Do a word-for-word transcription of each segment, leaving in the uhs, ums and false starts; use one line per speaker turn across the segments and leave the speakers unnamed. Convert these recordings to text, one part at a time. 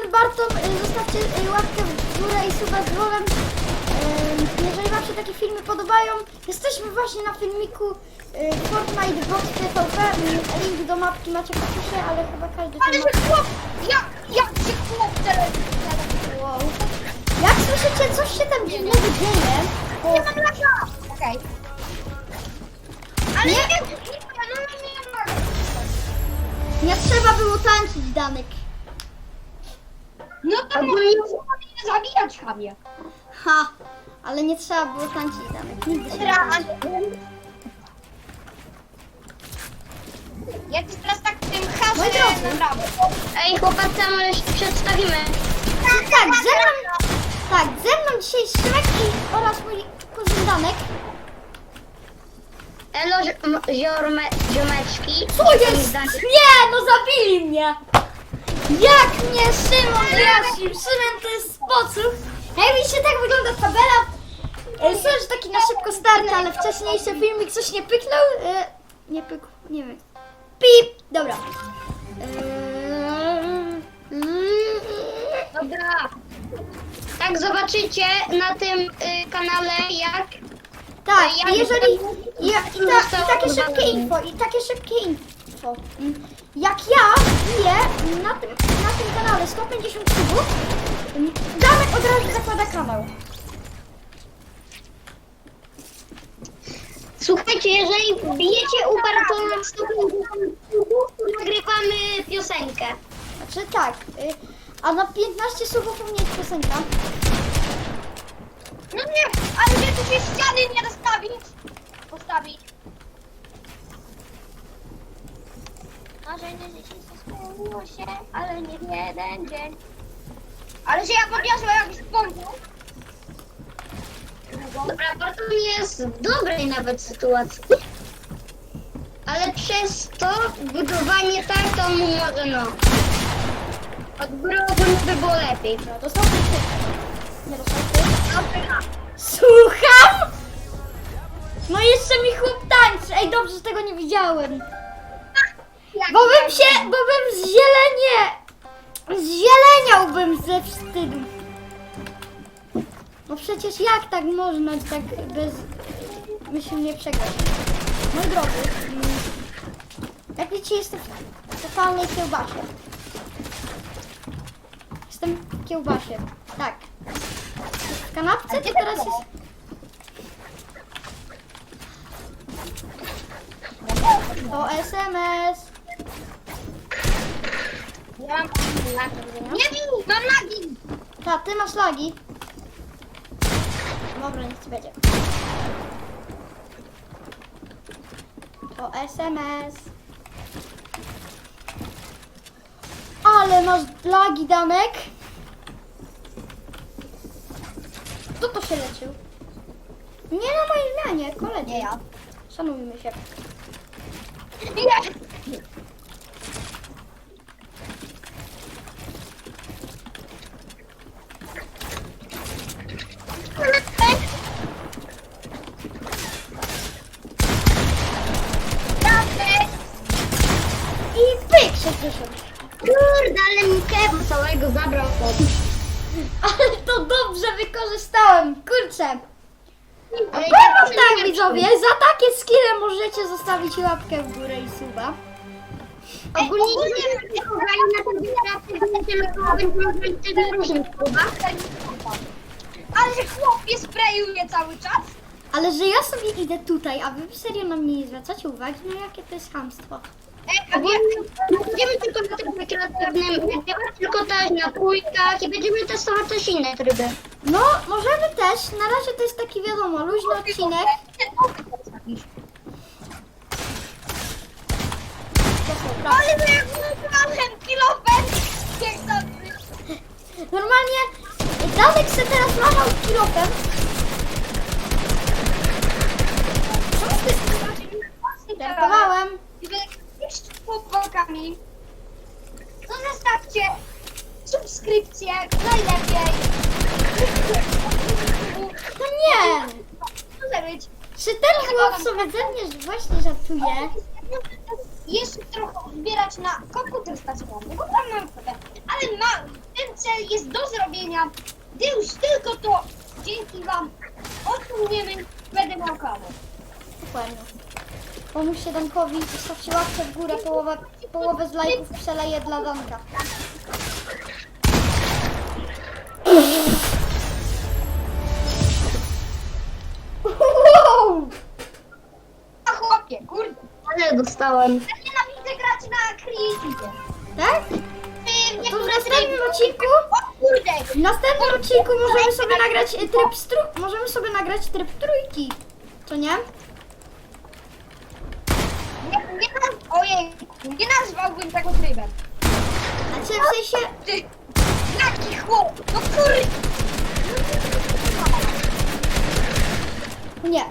Barton, zostawcie łapkę w górę i suba z dzwonem. Jeżeli wam się takie filmy podobają, jesteśmy właśnie na filmiku Fortnite Box T V P. Link do mapki macie w opisie, ale chyba każdy
Ale
tu
że chłop! Jak, jak się chłop teraz...
wow. Jak słyszycie, coś się tam dziwnego dzieje, bo...
Nie mam laka! Okej. Ale
Nie.
nie wiem, no nie mam.
Nie trzeba było tańczyć, Danek.
No to nie zabijać chamie.
Ha, ale nie trzeba było tańczyć, Danek. Nigdy się nie tańczy.
Ja ci teraz tak tym
Moi
hasłem
drodzy.
naprawdę.
Ej, chłopacy, a może się przedstawimy?
Tak, ze mną, tak, ze mną dzisiaj Szymek i oraz mój kuzyn Danek.
Elo, ziom- ziorme, ziomeczki.
Co jest? Nie, no zabili mnie! Jak mnie Szymon wyjaśnił? Szymon to jest spocuch. Hej, widzicie, tak wygląda tabela. E, Słyszę, że taki na szybko start, ale wcześniejszy filmik coś nie pyknął. E, nie pykł, nie wiem. Pip! Dobra. E,
Dobra. Tak zobaczycie na tym y, kanale, jak
Tak,
Ja
i jeżeli.
nie
Ja, i, ta, I takie szybkie info, i takie szybkie info. Mm, Jak ja biję na tym, na tym kanale sto pięćdziesiąt subów, mm, Danek od razu zakłada kanał.
Słuchajcie, jeżeli bijecie u Bartona sto pięćdziesiąt subów, to nagrywamy piosenkę.
Znaczy tak, y, a na piętnaście subów u mnie jest piosenka.
No nie, ale że tu się ściany nie dostawić. Postawić. Marzenie życie spełniło się, ale nie w jeden dzień. Ale że ja podniosłem jakiś pompu.
Dobra, Barton jest w dobrej nawet sytuacji. Ale przez to budowanie tak, to mu może no. Od góry ogólnie by było lepiej.
No, dostał krytykę. Nie dostał krytykę. Słucham? No jeszcze mi chłop tańczy. Ej, dobrze, że tego nie widziałem. Bo bym się, bo bym zzielenie, zzieleniałbym ze wstydu. No przecież jak tak można tak bez myślnie przegrać? Moi drodzy, mm, jak widzicie, jestem w totalnej kiełbasie. Jestem w kiełbasie, tak. W kanapce to teraz jest... O S M S.
Ja mam lagi. Nie bij, mam lagi.
Ta, ty masz lagi. Dobra, niech ci będzie. O S M S. Ale masz lagi, Danek. Kto to się leczył? Nie na mojej zmianie, koledzy.
Nie ja.
Szanujmy się.
Nie.
I pyk, sześćdziesiąt.
Kurde, ale mi kewa całego zabrał chłop.
Ale to dobrze wykorzystałem, kurczę.
Ale
Powiem wam tak, widzowie, za takie skille możecie zostawić łapkę w górę i suba.
Ogólnie nie wiem, czy kochani na tym wypracy tylko będziemy robić też na różnych klubach.
Ale że chłop mnie sprayuje cały czas.
Ale że ja sobie idę tutaj, a wy serio na mnie nie zwracacie uwagi, no jakie to jest chamstwo.
Ej, a
Ogólnie
nie,
nie będziemy tylko na tym rekreatywnym nagrywać, tylko też na pójkach i będziemy testować też inne tryby.
No, możemy też, na razie to jest taki wiadomo, luźny odcinek. To są prace.
Ale że jak wygrałem kilofem. Jak dobry.
Normalnie Danek se teraz machał kilofem. Co z tym? Żartowałem.
Jeszcze chłopakami. To zostawcie subskrypcję, najlepiej.
No nie!
Może być.
Czy ten chłop sobie ze mnie właśnie żartuje?
jeszcze trochę zbierać na komputer stacjonarny, bo tam mam kwotę. Ale ma, ten cel jest do zrobienia, gdy już tylko to dzięki wam osiągniemy, będę miał kawę.
Dokładnie. Pomóżcie Dankowi, zostawcie łapkę w górę, połowę, połowę z lajków przeleję dla Danka. Wow!
A chłopie, kurde,
Ale dostałem.
ja nienawidzę grać na creative.
Tak?
Ty, nie
To w następnym odcinku,
O kurde,
w następnym odcinku możemy sobie nagrać e, tryb stru... Możemy sobie nagrać tryb trójki. Co nie?
nie, nie naz... ojej, nie nazwałbym tego trybem.
A czy w sensie...
Ty, jaki chłop, no kurde.
Nie.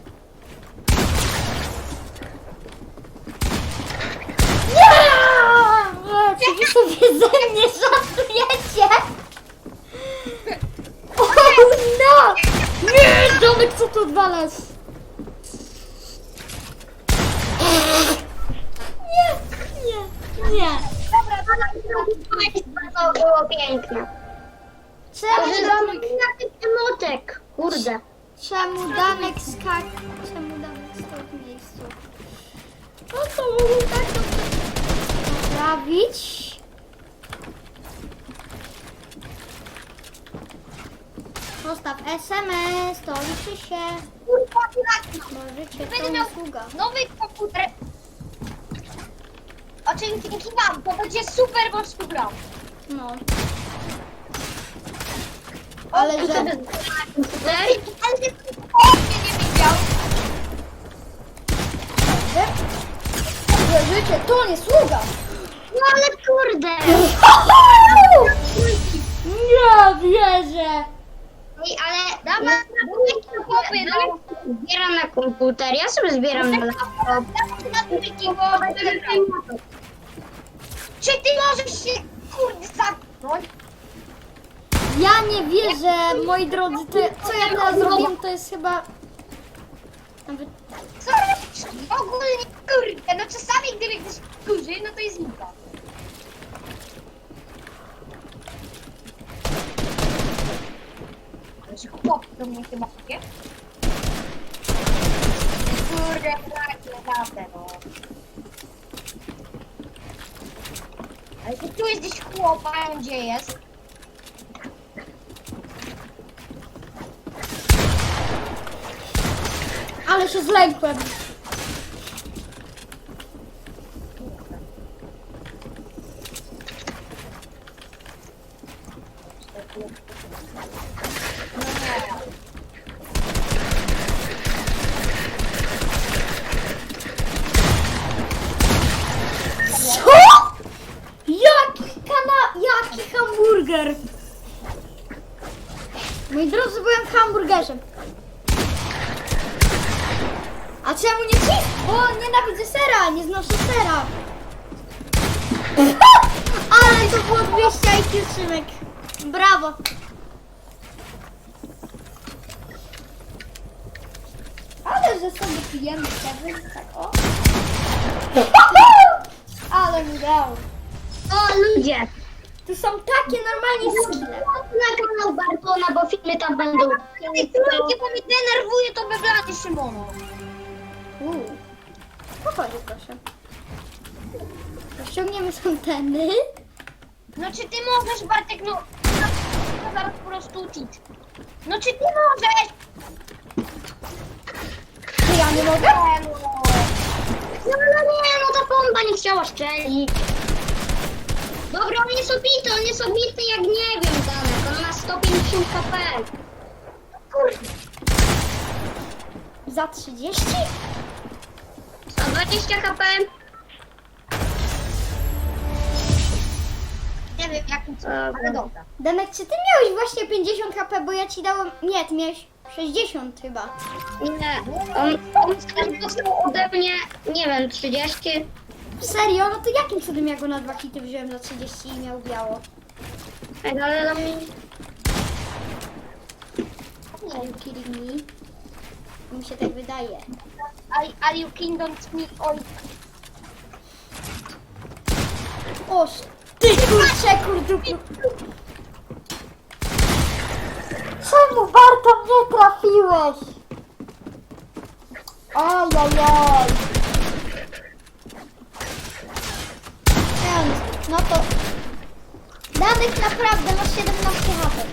Nie! Czy wy sobie ze mnie żartujecie? O no! Nie! Domek, co tu odwalasz? Nie, nie, nie.
Dobra, dobra,
To było piękne.
Czemu
Może
Danek,
zrobimy na tych emotek. Kurde.
czemu Danek skak... Czemu Danek stał w miejscu? No to mógł tak naprawić. Postaw S M S, to liczy się.
kurwa, kurwa.
Możecie,
Będę
to
miał
usługa.
nowy komputer. O czym dzięki wam, to będzie super mocno grał.
No. Ale że...
Ale ty mnie nie widział.
Że życie to nie sługa.
No ale kurde.
Nie wierzę.
Ej, ale
Dawaj,
na
chłopy, no.
zbieram na komputer, ja sobie zbieram na laptop.
Dawaj na trójki, bo będę grał. Czy ty możesz się, kurde, zamknąć?
Ja nie wierzę, moi drodzy, to, co ja teraz zrobiłem, to jest chyba... Nawet...
Co robisz? Ogólnie, kurde, no czasami gdyby ktoś kurzy, no to jest lipa. Ale że chłop do mnie chyba nie? Kurde, tak, naprawdę, no. Ale to tu jest gdzieś chłop, a on gdzie jest?
Ale się zlękłem. Co? Jaki kana... Jaki hamburger? Moi drodzy, byłem hamburgerzem. A czemu nie ci? Bo nienawidzę sera, nie znoszę sera. Ale to było dwieście I Q, Szymek. Brawo. Ale że sobie pijemy kawy, tak o. Ale mi dał.
O ludzie.
Tu są takie normalnie skille.
Na kanał Bartona, bo filmy tam będą.
Ty trójki, bo mnie denerwuje to beblany Szymono.
Uuu. Pochodzi, proszę. Ściągniemy z anteny.
No czy ty możesz, Bartek, no... No zaraz po prostu uczyć. No czy ty możesz?
Czy ja nie mogę?
Nie, no.
No, no nie, no ta bomba nie chciała szczelić. Dobra, on jest obity, on jest obity jak nie wiem, Danek. On ma sto pięćdziesiąt H P.
Kurde.
Za trzydzieści?
sto dwadzieścia H P.
Nie wiem jakim cudem, ale dobra.
Danek, czy ty miałeś właśnie pięćdziesiąt H P, bo ja ci dałem... Nie, ty miałeś sześćdziesiąt chyba.
Nie, on, on też dostał ode mnie, nie wiem, trzydzieści.
Serio? No to jakim cudem ja go na dwa hity wziąłem za trzydzieści i miał biało?
Ej, ale dla mnie...
Are you kidding me? Mi się tak wydaje.
Are, are you kingdom me oj.
O, ty kurczę, kurduku. Czemu Barto mnie trafiłeś? Ajajaj. No to... Danych naprawdę masz siedemnaście H P.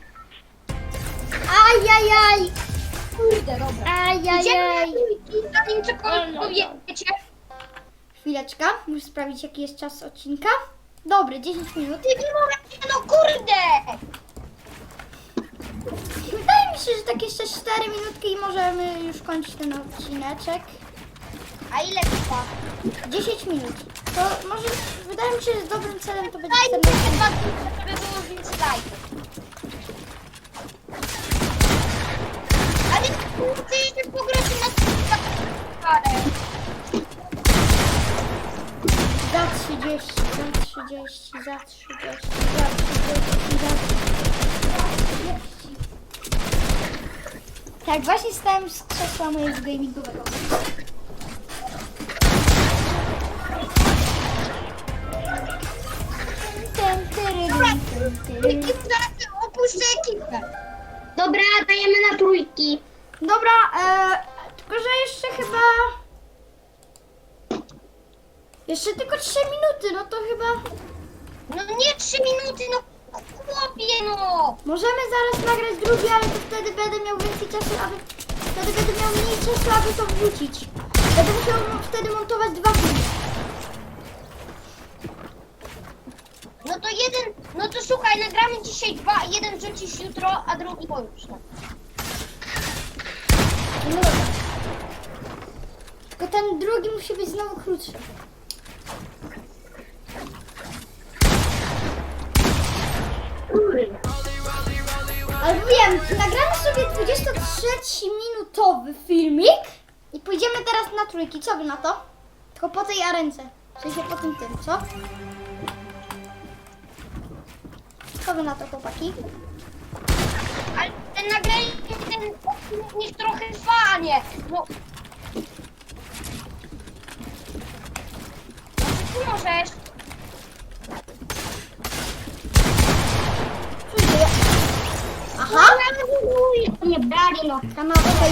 Ajajaj.
Kurde, dobra. Idziemy
Ajajaj.
na trójki, zanim cokolwiek powiecie.
Chwileczka, muszę sprawdzić jaki jest czas odcinka. Dobry, dziesięć minut.
Ty nie możesz, no kurde!
Wydaje mi się, że tak jeszcze cztery minutki i możemy już kończyć ten odcineczek.
A ile trwa?
dziesięć minut. To może, wydaje mi się, że dobrym celem to będzie
Dajcie
czternaście.
te dwa dni, żeby było więcej lajków. A więc chcę jeszcze pograć na parę.
Za trzydzieści, za trzydzieści, za trzydzieści, za trzydzieści, za trzydzieści. Tak, właśnie stałem z krzesła mojego gamingowego. Ten, tyryrym, ten, tyryrym.
Ekip zaraz opuszczę ekipę.
Dobra, dajemy na trójki.
Dobra, e, tylko że jeszcze chyba... Jeszcze tylko trzy minuty, no to chyba...
No nie trzy minuty, no chłopie, no!
Możemy zaraz nagrać drugi, ale to wtedy będę miał więcej czasu, aby... Wtedy będę miał mniej czasu, aby to wrzucić. Będę musiał wtedy montować dwa filmy.
No to jeden, no to słuchaj, nagramy dzisiaj dwa, jeden wrzucisz jutro, a drugi pojutrze.
No dobra. Tylko ten drugi musi być znowu krótszy. Ale wiem, nagramy sobie dwudziestotrzyminutowy filmik i pójdziemy teraz na trójki. Co wy na to? Tylko po tej arence. W sensie po tym tym, co? Co wy na to, chłopaki?
Ale ten nagranie, ten odcinek niech trochę trwa, nie? No. No ty możesz.
Co się dzieje? Aha!
Nie brali, no.
Kanał tutaj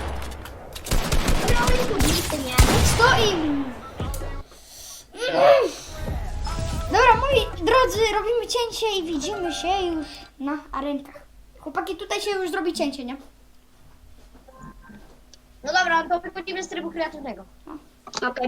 Brali publicy, nie?
stoi. Mm. Dobra, moi drodzy, robimy cięcie i widzimy się już na arenkach. Chłopaki, tutaj się już zrobi cięcie, nie?
No dobra, to wychodzimy z trybu kreatywnego.
Okej.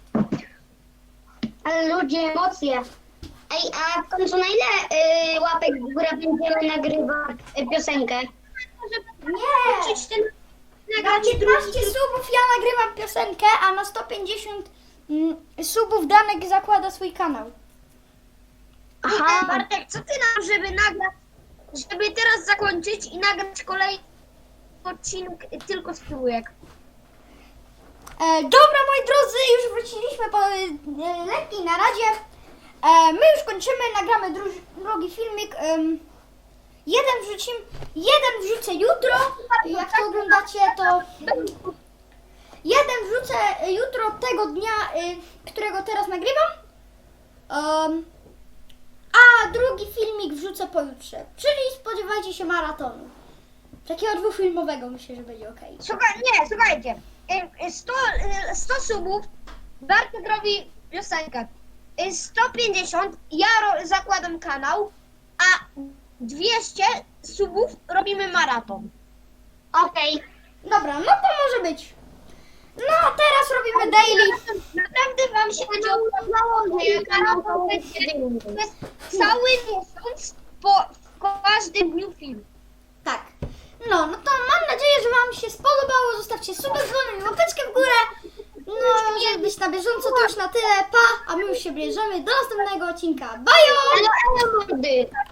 Ale ludzie, emocje. Ej, a w końcu na ile y, łapek w górę będziemy nagrywać y, piosenkę?
Nie!
Wrzucić ten...
Na piętnaście subów ja nagrywam piosenkę, a na sto pięćdziesiąt mm, subów Danek zakłada swój kanał.
Aha. Bartek, co ty nam, żeby nagrać, żeby teraz zakończyć i nagrać kolejny odcinek tylko z trójek?
E, dobra, moi drodzy, już wróciliśmy po e, letniej naradzie. E, my już kończymy, nagramy dru- drugi filmik. Em, jeden wrzucimy, jeden wrzucę jutro. Jak to oglądacie, to jeden wrzucę jutro tego dnia, y, którego teraz nagrywam. Um, a drugi filmik wrzucę pojutrze. Czyli spodziewajcie się maratonu. Takiego dwufilmowego, myślę, że będzie ok.
Słuchaj, nie, słuchajcie. Y, sto, y, sto subów, Bartek robi piosenkę. Y, sto pięćdziesiąt, ja ro, zakładam kanał, a dwieście subów robimy maraton.
Okej.
Dobra, no to może być. No, a teraz robimy daily.
Naprawdę wam się będzie okazało, że kanał będzie to jest cały miesiąc po, po każdym dniu film.
Tak. No, no to mam nadzieję, że wam się spodobało. Zostawcie suba, dzwonek i łapeczkę w górę. No, żeby być na bieżąco, to już na tyle. Pa, a my już się bierzemy do następnego odcinka. Bajo!
Ale, ale mordy.